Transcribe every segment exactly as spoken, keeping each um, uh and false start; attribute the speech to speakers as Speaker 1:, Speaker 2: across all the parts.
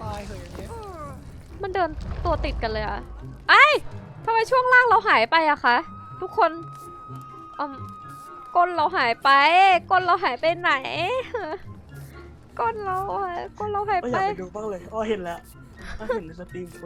Speaker 1: ายเหยอย่างเงี้ย
Speaker 2: มันเดินตัวติดกันเลยอะไอ้ทำไมช่วงล่างเราหายไปอะคะทุกคนอืมก้นเราหายไปก้นเราหายไปไหนก้นเราอะก้นเราหาย
Speaker 3: ก็อ
Speaker 2: ไป
Speaker 3: ยากไปดูบ้างเลยอ๋อเห็นแล้วก็เห็นในสตรีมคน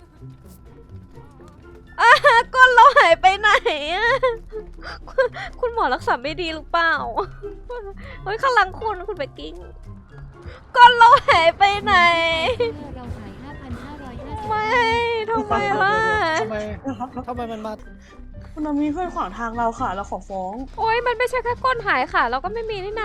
Speaker 2: อ่ะก้นเราหายไปไหนอะคุณคุณหมอรักษาไม่ดีหรือเปล่าเฮ้ยข้างหลังคุณคุณไปกิ้งก้นเราหายไปไหน
Speaker 4: เราหาย ห้าพันห้าร้อยห้าสิบ
Speaker 2: ไม่ทำไมล่ะ
Speaker 1: ทำไมทำไมมันมา
Speaker 3: คุณนามีเพื่อนขวางทางเราค่ะเราขอฟ้อง
Speaker 2: โอ๊ยมันไม่ใช่แค่ก้นหายค่ะ เราก็ไม่มีนี่นา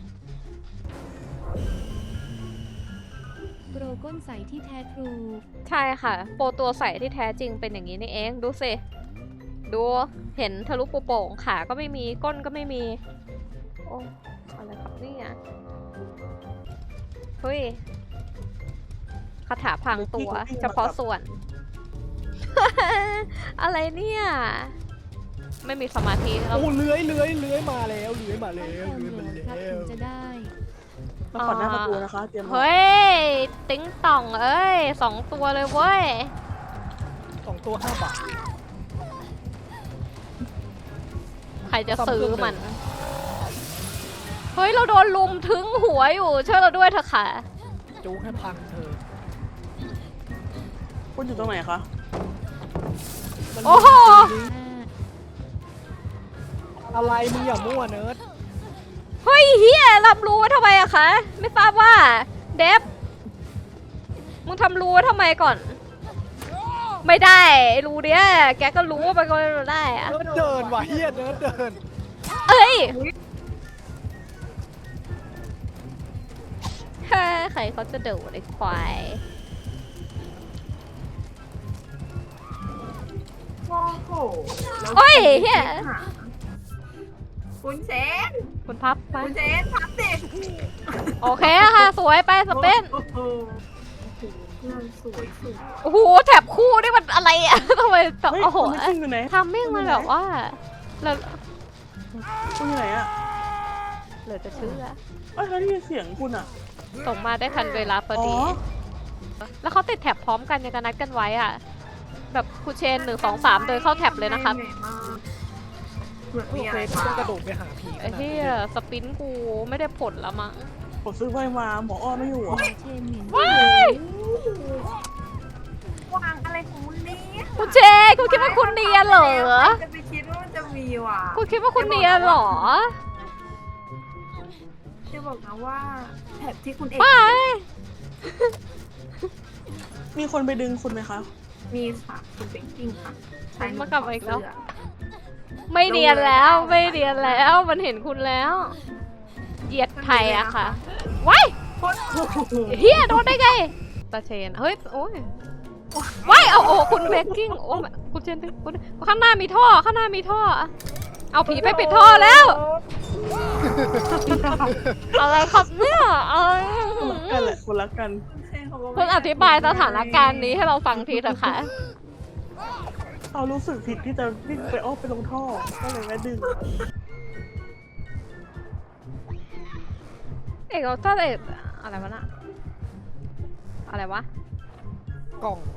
Speaker 4: โปรก้นใสที่แท้ทรู
Speaker 2: ใช่ค่ะ โปรตัวใสที่แท้จริงเป็นอย่างนี้นี่เองดูสิดูเห็นทะลุปูโป่งขาก็ไม่มีก้นก็ไม่มีโอ้อะไรครับเนี่ยเฮ้ยคาถาพรางตัวเฉพาะส่วน อะไรเนี่ยไม่มีสมาธิแล้ว
Speaker 1: โอ้เลื้อยเลื้อยเลื้อยมาแล้วเลื้อยมาแล้ว
Speaker 4: ต้อง
Speaker 1: เลื้อย
Speaker 4: แอ
Speaker 1: มา
Speaker 4: มโหลดครับ
Speaker 1: แล้
Speaker 4: ถึ
Speaker 1: ว
Speaker 4: งจะได้
Speaker 3: มาขอหน้าประตูนะคะเตรียม
Speaker 2: เฮ้ยติ๊งต่องเอ้ยสองตัวเลยเว้ย
Speaker 1: สองตัวห้าบาท
Speaker 2: ใครจะซื้อมัน เฮ้ย เราโดนลุมถึงหัวอยู่ช่วยเราด้วยเถอะค่ะ
Speaker 1: จูให้พังเธอ
Speaker 3: คุณอยู่ตรงไหนคะ
Speaker 1: มัน
Speaker 2: โอ้โห
Speaker 1: อะไรมึงอย่ามั่วเนิร์ด
Speaker 2: เฮ้ยเฮียรับรู้ไว้ทำไมอะคะ ไม่ทราบว่า เดฟมึงทำรู้ไว้ทำไมก่อน ไม่ได้รู้เนี้ยแกก็รู้ว่ามันก็ไม่ได้อะ
Speaker 1: เนิร์ดเดินว่ะเฮียเนิร์ดเดิน
Speaker 2: เอ้ยแค่ใครเขาจะเดือดไอ้ควาย
Speaker 5: โอ้โหแล้ว
Speaker 2: โอ้ยเฮีย
Speaker 5: คุณเซน
Speaker 2: คุณพับไป
Speaker 5: คุณเซนพับสิ
Speaker 2: โอเคค่ะ สวยไปสเปน
Speaker 5: โอ้โหเพื่อนสวยสวย
Speaker 2: โอ้โหแถบคู่นี่มันอะไรอะ ทำไมต่อ
Speaker 3: เฮ้ย
Speaker 2: โอ้โห
Speaker 3: คุณไม่ทิ้งอยู่ไหน
Speaker 2: ทำมิ่งมันแบบว่าเรา
Speaker 3: คุณอยู่ไหนอะ
Speaker 2: เหลือจะเชื่อ
Speaker 3: เอ้ยเขาได้ยินเสียงคุณอะ
Speaker 2: ส่งมาได้ทันเวลาพอดี แล้วเขาติดแถบพร้อมกันยังกันนัดกันไว้อะแบบคูเชนหนึ่งสองสามเดินเข้าแถบเลยนะครับ
Speaker 5: เหนื่อยมากเหมือน
Speaker 1: โอ
Speaker 5: มี
Speaker 1: เค
Speaker 5: อะไร
Speaker 1: กู
Speaker 5: มา
Speaker 1: ต้องกระโดดไปหาผี
Speaker 2: ไอ้เหี้ยสปินกูไม่ได้ผลละมั้ง
Speaker 3: ผมซื้อไว้มาหมออ้อไม่อยู่อะ
Speaker 4: เชนเหม็น
Speaker 2: ว้าย
Speaker 5: วางอะไรของมึงเนี่ย
Speaker 2: คุณเจคุณคิดว่าคุณเนียนเหรอ
Speaker 5: จะไปคิดว่ามันจะมีว่ะ
Speaker 2: คุณคิดว่าคุณเนียนเหรอ
Speaker 5: จะบอกนะว่าแถบที่คุณเอก
Speaker 2: ไป
Speaker 3: มีคนไปดึงคุณไหมคะ
Speaker 5: มีค่ะคุณเป็นกิ้งค่ะใช้
Speaker 2: มากลับมาอีกแล้ว ไม่เนียนแล้วไม่เนียนแล้วมันเห็นคุณแล้วเหยียดไทยอะค่ะว้าย
Speaker 5: โคตรโอ้โห
Speaker 2: เฮียโดนได้ไงตาเชนเฮ้ยโอ้ยว้ายเอาโอ้คุณเบกกิ้งโอ้คุณเชนคุณข้างหน้ามีท่อข้างหน้ามีท่อเอาผีไปปิดท่อแล้วอะไรครับเนี่ยเอ้ย
Speaker 3: กันแหละคนรักกัน
Speaker 2: เพิ่งอธิบายสถานการณ์นี้ให้เราฟังทีเถอะค่ะ
Speaker 3: เขารู้สึกผิดที่จะวิ่งไปอ้อมไปลงท่อก็เลยแม่ดึง
Speaker 2: เอกเราต้องเอกอะไรวะน่ะอะไรวะ
Speaker 1: กล่อง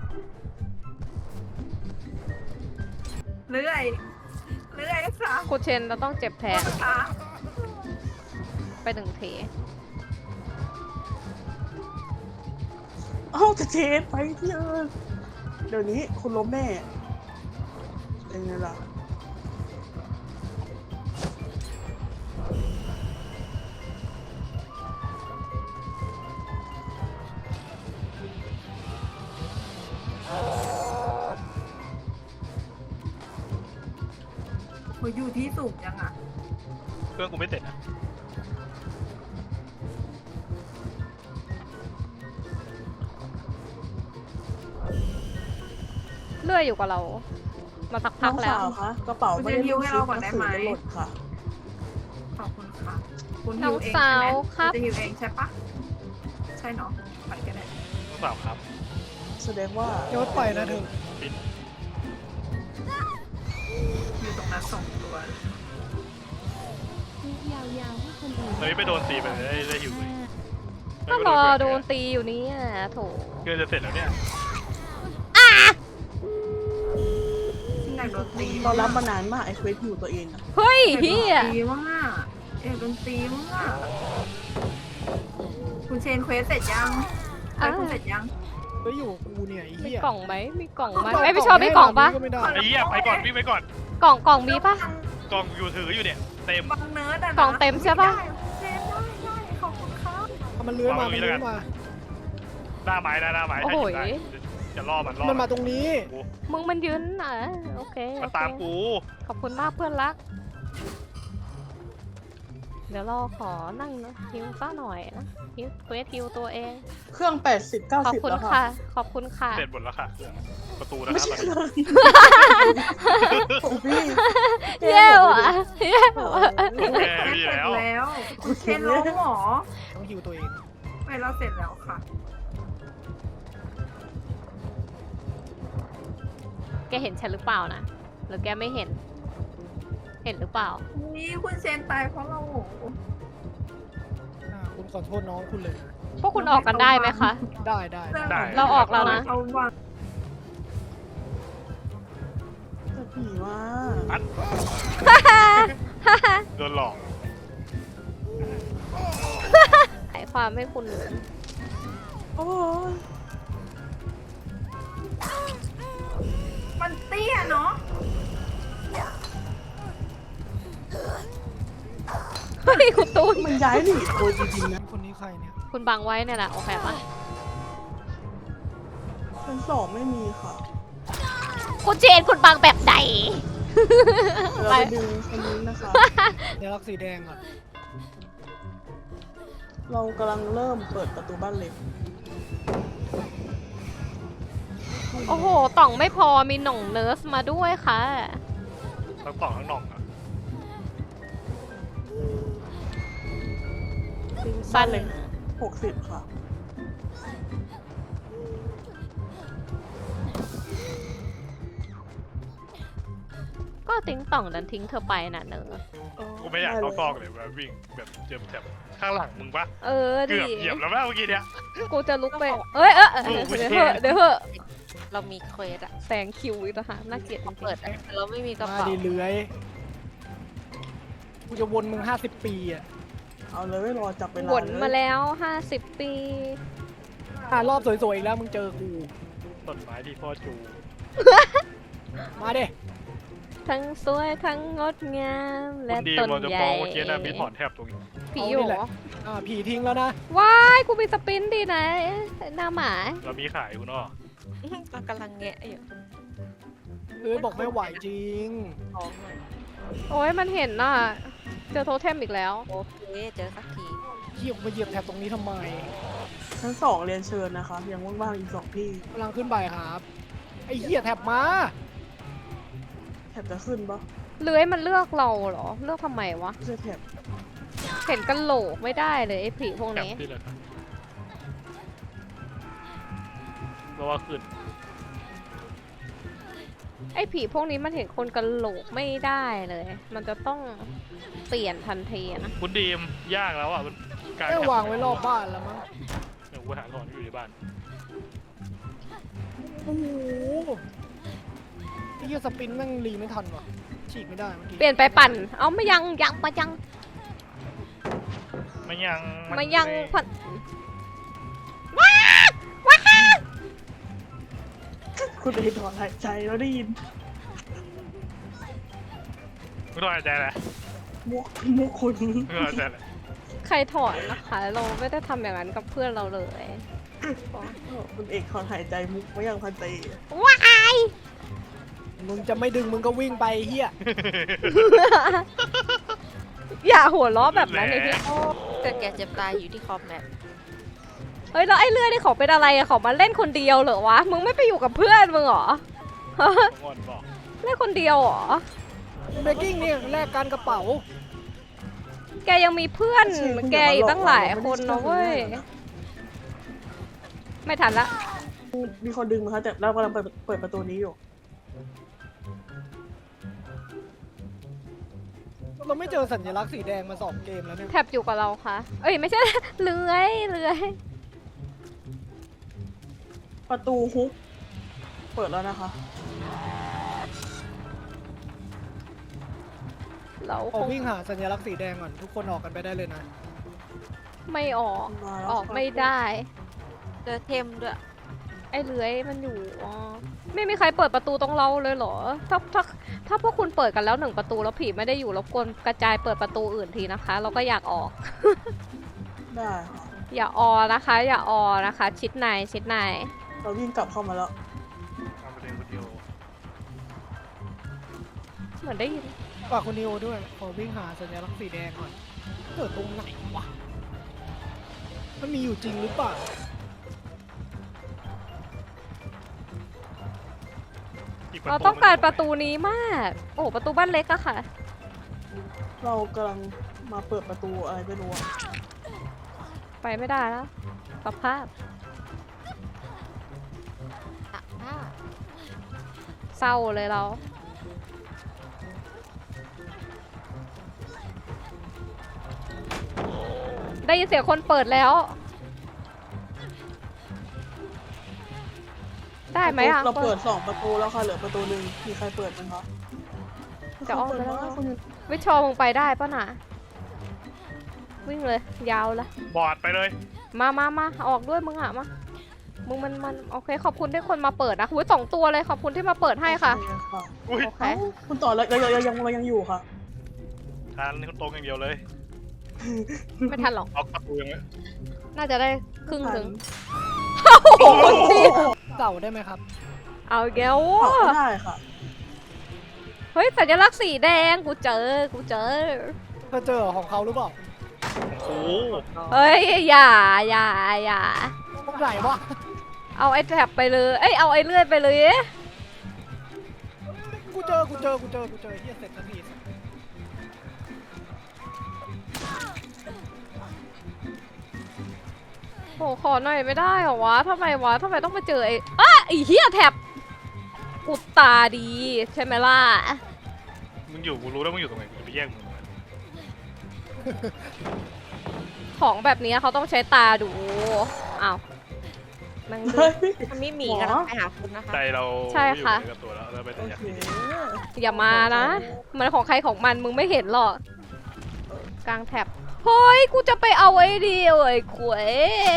Speaker 5: เรื่อยเรื่อยค่ะ
Speaker 2: คุณเชนเราต้องเจ็บแทน
Speaker 5: ค่ะ
Speaker 2: ไปหนึ่งที
Speaker 3: เอ้าจะเชฟไปที่เออเดี๋ยวนี้คุณล้มแน่เป็นไงล่ะ
Speaker 5: โหอยู่ที่สูงยังอ่ะ
Speaker 6: เครื่องกูไม่เสร็จนะ
Speaker 2: เลื่อยอยู่กับเรา มาสัก
Speaker 3: น้
Speaker 2: พั
Speaker 3: อก ง
Speaker 2: แล้ว
Speaker 3: สาวคะกระเป๋าไม่ได้ลูกชิ้นหนังสือจะหล่นค่ะ
Speaker 5: ขอบคุณค่ะ คุณ
Speaker 2: น้
Speaker 5: ฮิ
Speaker 2: อ
Speaker 5: ว
Speaker 2: ง
Speaker 5: เอง
Speaker 2: สา
Speaker 5: ใช่ไหม
Speaker 2: วครับ
Speaker 5: ณจะฮิวเองใช่ปะใช่เนาะไปกันเลย
Speaker 6: รู้เปล่าครับ
Speaker 3: แสดงว่า
Speaker 1: เนิร์ดไปนะเธอ
Speaker 6: ปิด
Speaker 5: อยู่ตรงนั้นสองตัว
Speaker 4: ยาวๆให้คนอื่น
Speaker 6: ตอนนี้ไปโดนตีไปเลยได้ได้หิวเลย
Speaker 2: ก็รอโดนตีอยู่นี่อ่ะโถ
Speaker 6: เพื่อนจะเสร็จแล้วเนี่ย
Speaker 5: อยากโดนตี
Speaker 3: เรารับมานานมากไอ้เควสอยู่ตัวเองอะ
Speaker 2: เฮ้ย
Speaker 5: อยากโด
Speaker 2: เฮี
Speaker 5: น
Speaker 2: ย
Speaker 5: ตีมากอยากโดนตีมากคุณเชนเควสเสร็จยังเควสคุณเสร็จยัง
Speaker 1: เฮ้ยอยู่กับกูเนี่ยไอ้
Speaker 2: มี
Speaker 1: เหี้ย
Speaker 2: กล่องไหมมีกล่องไหมไม่พี่ชอบมีกล่องปะ
Speaker 1: ก็ไม่ได้
Speaker 6: ไอ้เหี้ยไปก่อนวิ่งไปก่อน
Speaker 2: กล่องกล่องมีปะ
Speaker 6: กล่องอยู่ถืออยู่เนี่ยเต็ม
Speaker 5: บางเนิร์ดอะนะ
Speaker 2: กล่องเต็มใช่ปะ
Speaker 5: ได้เชนได้ได้ขอบคุณครับ
Speaker 1: เอามันเลื้อยมา
Speaker 6: วางไว้
Speaker 1: มันเลื้อย
Speaker 6: แล้วกัน
Speaker 1: มา
Speaker 6: หน้าไม้นะหน้าไม้
Speaker 2: โอ้
Speaker 6: ถ้า
Speaker 2: โห
Speaker 6: หยิบได้จะล่อมันล่อ
Speaker 1: มันมาตรงนี้
Speaker 6: กู
Speaker 2: มึงมันยืนอ่ะโอเคโอ
Speaker 6: มา
Speaker 2: เค
Speaker 6: ตามกู
Speaker 2: ขอบคุณมากเพื่อนรัก เดี๋ยวรอขอนั่งฮิวซ่าหน่อยนะฮิวเควสฮิวตัวเอง
Speaker 3: เครื่องแปดสิบเก้า
Speaker 2: ขอบ
Speaker 3: สิบ
Speaker 2: คุณ
Speaker 3: แล้วค่ะ
Speaker 2: ค่ะ ขอบคุณค่ะ
Speaker 6: เสร็จหมดแล้วค่ะประตูนะ
Speaker 3: ไม่
Speaker 6: ครับ
Speaker 3: ใช่
Speaker 6: ตอนนี้
Speaker 3: ของพี่
Speaker 2: เย้ว่ะเย้ว่ะ
Speaker 6: โอเค
Speaker 5: เควส
Speaker 6: พี่
Speaker 5: เสร็จ
Speaker 6: แล้ว
Speaker 5: แล้วคุณเชนล้มเหรอ
Speaker 1: ต้องฮิวตัวเอง
Speaker 5: ไม่เราเสร็จแล้วค่ะ
Speaker 2: แกเห็นฉันหรือเปล่านะหรือแกไม่เห็น เห็นหรือเปล่า
Speaker 5: นี่คุณเชนตายเพราะเรา
Speaker 1: อ่าคุณขอโทษน้องคุณเลยนะ
Speaker 2: พวกคุณออกกันได้ไหมคะ
Speaker 1: ได้ได้
Speaker 6: ได้
Speaker 2: เราออกแล้วนะ
Speaker 5: เอาวาง
Speaker 3: จะผีว่า
Speaker 6: อัดโดนหลอก
Speaker 2: หายความให้คุณ
Speaker 3: โอ้ย
Speaker 5: มันเตี้ยเนาะ
Speaker 2: เฮ้ยคุณตูน
Speaker 3: มันย้ายหนีโดยจริงๆนะ
Speaker 1: คนนี้ใครเนี่ย
Speaker 2: คุณบังไว้เนี่ยแหละโอเคปะ
Speaker 3: ชั้นสองไม่มีค่ะ
Speaker 2: คุณเจนคุณบังแบบไหน
Speaker 3: เดี๋ยวเราไปดึงคนนี้นะคะ
Speaker 1: เดี๋ยวรักสีแดงอ่ะ
Speaker 3: เรากำลังเริ่มเปิดประตูบ้านเล็ก
Speaker 2: โอ้โห ต่องไม่พอมีหน่องเนิร์สมาด้วยค่ะ
Speaker 6: ทั้งกล่องทั้งหน่องอะ
Speaker 2: สั้นเลย
Speaker 3: หกสิบค่ะ
Speaker 2: ก็ติ้งต่องดันทิ้งเธอไปน่ะเนอะ
Speaker 6: กูไม่อยากเข้าซอกเลยแบบวิ่งแบบเจอแถบข้างหลังมึงปะ
Speaker 2: เออ
Speaker 6: เกื
Speaker 2: ดิ
Speaker 6: อบเหยียบแล้วแม่เมื่อกี้เนี่ย
Speaker 2: กูจะลุกไป เอ้ยเออเออ
Speaker 6: โอ้โห
Speaker 2: เดี๋ยวเหอะเดี๋ยวเหอะ
Speaker 7: เรามีเควสอะ
Speaker 2: แสงคิวอีกต่างหากน่าเกลียดจริง
Speaker 7: เปิดอะแต่เราไม่มีกระ
Speaker 1: มา
Speaker 7: เป๋า
Speaker 1: ดีเลื้อยกูจะวนมึงห้าสิบปีอ่ะ
Speaker 3: เอาเลยรอจับเวลา
Speaker 2: ๆวน
Speaker 3: เลย
Speaker 2: มาแล้วห้าสิบปี
Speaker 1: อ่ารอบสวยๆอีกแล้วมึงเจอกู
Speaker 6: ต้นไม้ที่พ่อจู
Speaker 1: มาเด้
Speaker 2: ทั้งสวยทั้งงดงาม
Speaker 6: คุ
Speaker 2: และ
Speaker 6: ณดี
Speaker 2: ต้น
Speaker 6: มอจะ
Speaker 2: ให
Speaker 6: ฟ้
Speaker 2: ญ่
Speaker 6: องเมื่อกี้นะมีถอนแทบตรงนี้
Speaker 2: ผีอยู่เหรอ
Speaker 1: อ่าผีทิ้งแล้วนะ
Speaker 2: ว้ายกูมีสปินดีนะหน้าหมา
Speaker 6: เรามีขายคุณอ้อ
Speaker 7: ก็กำลังแงะอยู่
Speaker 1: เอ้ยบอกไม่ไหวจริง
Speaker 7: ท้องหน่อย
Speaker 2: โอ้ยมันเห็นน่ะ เจอโทเทมอีกแล้ว
Speaker 7: โอเคเจอสักที
Speaker 1: เหี้ยกูมาเหยียบแถบตรงนี้ทำไม
Speaker 3: ชั้นสองเรียนเชิญนะคะ ยังว่างๆอีกสองที่
Speaker 1: กำลังขึ้นไปครับ ไอ้เหี้ยแถบมา
Speaker 3: แถบจะขึ้นปะ
Speaker 2: เลื้อยมันเลือกเราเหรอ เลือกทำไมวะ
Speaker 3: ไม่ใช่แถบ
Speaker 2: เห็นกันโหลกไม่ได้เลยไอ้ผีพวก
Speaker 6: แถบ
Speaker 2: นี้
Speaker 6: ที่เลยครับเพราะว่าขึ้น
Speaker 2: ไอ้ผีพวกนี้มันเห็นคนกันโหลกไม่ได้เลย มันจะต้องเปลี่ยนทันทีอะนะ
Speaker 6: คุณดีมยากแล้วอ่ะมันกลาย
Speaker 1: ได้
Speaker 6: แถบ
Speaker 1: วางไว้รอบบ้านแล้วมั้ง
Speaker 6: เดี๋ยวกูหาถอนอยู่ในบ้าน
Speaker 1: โอ้โหไอ้เหี้ยสปินแม่งรีไม่ทันว่ะ ฉีกไม่ได้เมื่อกี้
Speaker 2: เปลี่ยนไปปั่น เอาไม่ยังยังมายัง
Speaker 6: ไม่ยัง
Speaker 2: มายัง
Speaker 6: ไ
Speaker 2: ปั่น
Speaker 3: คุณเอถอนหายใจแล้วได้ยิน
Speaker 6: ไม่ต้องหายใจแหละ
Speaker 3: มุกมุกคุณ
Speaker 6: ไม่ต้องหายใจแหละ
Speaker 2: ใครถอนนะคะ เราไม่ได้ทำอย่างนั้นกับเพื่อนเราเลย
Speaker 3: คุณเอกถอนหายใจมุกไม่ยังพันเต
Speaker 2: ว้าย
Speaker 1: มึงจะไม่ดึงมึงก็วิ่งไปเหี้ย
Speaker 2: อย่าหัวล้อแบบนั้นเลยพี่
Speaker 7: เกิดแก่เจ็บตายอยู่ที่คอมแมป
Speaker 2: เฮ้ยแล้วไอ้เลื่อยนี่เขาเป็นอะไรอะเขามาเล่นคนเดียวเหรอวะ มึงไม่ไปอยู่กับเพื่อนมึงเหรอ
Speaker 6: งอนบอก
Speaker 2: เล่นคนเดียวเหรอ
Speaker 1: เบรกกิ้งนี่แลกการกระเป๋า
Speaker 2: แกยังมีเพื่อนแกอีกตั้งหลายคนนะเว้ย ไม่ทันละ
Speaker 3: มีคนดึงมาคะแต่เรากำลังเปิดเปิดประตูนี้อยู่
Speaker 5: ม
Speaker 1: เราไม่เจอสัญลักษณ์สีแดงมาสองเกมแล้วเนี่ย
Speaker 2: แท็บอยู่กับเราค่ะ เอ้ยไม่ใช่ เลื้อยเลื้อย
Speaker 3: ประตูฮุกเปิดแล้วนะคะ
Speaker 2: เราค
Speaker 1: เอา
Speaker 2: ง
Speaker 1: วิ่งหาสัญลักษณ์สีแดงก่อนทุกคนออกกันไปได้เลยนะ
Speaker 2: ไม่ออก
Speaker 3: มาแล้ว
Speaker 2: ออก
Speaker 3: ครับ
Speaker 2: ไม่ได้
Speaker 7: เจอเทมด้วย
Speaker 2: ไอ้เลื้อยมันอยู่อ๋อไม่มีใครเปิดประตูตรงเราเลยเหรอ ถ้าถ้าถ้าพวกคุณเปิดกันแล้วหนึ่งประตูแล้วผีไม่ได้อยู่รบกวนกระจายเปิดประตูอื่นทีนะคะ เราก็อยากออก
Speaker 3: ได้ค่ะ
Speaker 2: อย่าออนะคะ อย่าออนะคะ ชิดในชิดใน
Speaker 3: เราวิ่งกลับเข้ามาแล้ว
Speaker 6: เอาไปเล่นวิดีโอ
Speaker 2: เหมือนได้ยิน
Speaker 1: ฝากคุณนิโอด้วยขอวิ่งหาสัญลักษณ์สีแดงก่อนเกิดตรงไหนวะมันมีอยู่จริงหรือเปล่า
Speaker 6: อีก
Speaker 2: เราต้องการประตูนี้มาก โอ้ประตูบ้านเล็กอะค่ะ
Speaker 3: เรากำลังมาเปิดประตูอะไรไม่รู้อะ
Speaker 2: ไปไม่ได้แล้วสภาพ
Speaker 7: ตักผ้า
Speaker 2: เศร้าเลยเรา ได้ยินเสียงคนเปิดแล้ว ได้ไหมอ่ะ
Speaker 3: เราเปิดสองประตูแล้วค่ะเหลือประตูหนึ่งมีใครเปิดไหมคะ
Speaker 2: จะออกไปแล้ว
Speaker 3: คนอยู่
Speaker 2: วิชอมึงไปได้ปะน่ะ วิ่งเลย ยาวละ
Speaker 6: บอดไปเลย
Speaker 2: มามามาออกด้วยมึงอ่ะมา มึงมันมันโอเค ขอบคุณที่คนมาเปิดนะหุ้ยสองตัวเลยขอบคุณที่มาเปิดให้ค่ะ
Speaker 3: โอเค่ะ
Speaker 6: อุ้ย
Speaker 2: โอเค
Speaker 3: เอ้าคุณต่อเราเราเรายังเรายังอยู่ค่ะ
Speaker 6: ทานนี่ตรงอย่างเดียวเลย
Speaker 2: ไม่ทันหรอก
Speaker 6: เอาประตูยังไง
Speaker 2: น่าจะได้ครึ่งถึง
Speaker 3: โอ้โห
Speaker 1: เก่าได้ไหมครับ
Speaker 2: เอาอีกแล้ว
Speaker 3: เผาไม่ได้ค่ะ
Speaker 2: เฮ้ยสัญลักษณ์สีแดงกูเจอ กูเจอ
Speaker 1: เธอเจอของเขาหรือเปล่า
Speaker 6: โอ้โห
Speaker 2: เฮ้ยอย่าอย่าอย่า
Speaker 1: ตรงไหนวะ
Speaker 2: เอาไอ้แท็บไปเลย เอ้ยเอาไอ้เลื่อยไปเลย
Speaker 1: กูเจอกูเจอกูเจอกูเจอเฮียเสร็จทันที
Speaker 2: โหขอหน่อยไม่ได้เหรอวะทำไมวะทำไมต้องมาเจอไอ้อ้าไอ้เหี้ยแท็บอุดตาดีใช่ไหมล่ะ
Speaker 6: มึงอยู่กูรู้แล้วมึงอยู่ตรงไหนกูจะไปแย่งมึงทำไม
Speaker 2: ของแบบนี้เขาต้องใช้ตาดูอ้าวแมังดู
Speaker 3: เฮ้ย
Speaker 7: มันไม่มี
Speaker 3: หมอ
Speaker 7: กำลังไปหาคุณนะคะ
Speaker 6: ใจเรา
Speaker 2: ใช่ค่ะ
Speaker 6: ไม่อยู่ในกับตัวแล้วแล้วไปแต่
Speaker 3: โอ
Speaker 6: อยาก
Speaker 3: เค
Speaker 6: ดี
Speaker 2: อย่ามานะ มันของใครของมันมึงไม่เห็นหรอกกลางแท็บเฮ้ยกูจะไปเอาไอ้เดียวไอ้ขวย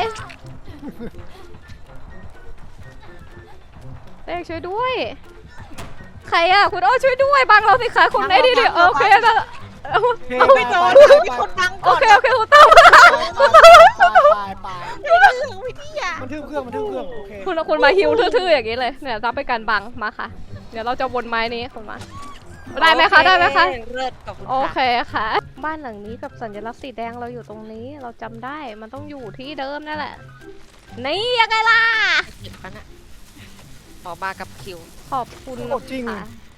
Speaker 2: เด็กช่วยด้วย ใครอะคุณโอ้ช่วยด้วยบังเราสิคะคุณไอ้ดีเดียวโอเคนะ
Speaker 1: เอาไม่โดน
Speaker 7: มีคนดัง
Speaker 2: โอ
Speaker 7: ก่อน
Speaker 2: เคโอเคคุณต้อง
Speaker 1: ไปไป
Speaker 7: วิทยา
Speaker 1: มันทึบเครื่องมันทึบเครื่องโอเค
Speaker 2: คุณคุณมาฮิวทื่อๆอย่างนี้เลยเนี่ยรับไปการบังมาค่ะ เดี๋ยวเราจะวนไม้นี้คุณมาได้ไหมคะได้ไหมคะ
Speaker 7: เลิศกับคุณ
Speaker 2: โอเค
Speaker 7: ค่ะ
Speaker 2: ค่ะ บ้านหลังนี้กับสัญลักษณ์สีแดงเราอยู่ตรงนี้เราจำได้มันต้องอยู่ที่เดิมนั่นแหละนี่ยังไงล่ะ
Speaker 7: เก็บกันอะขอมากับคิว
Speaker 2: ขอบคุณ
Speaker 1: โอ้จริง
Speaker 2: ค่ะ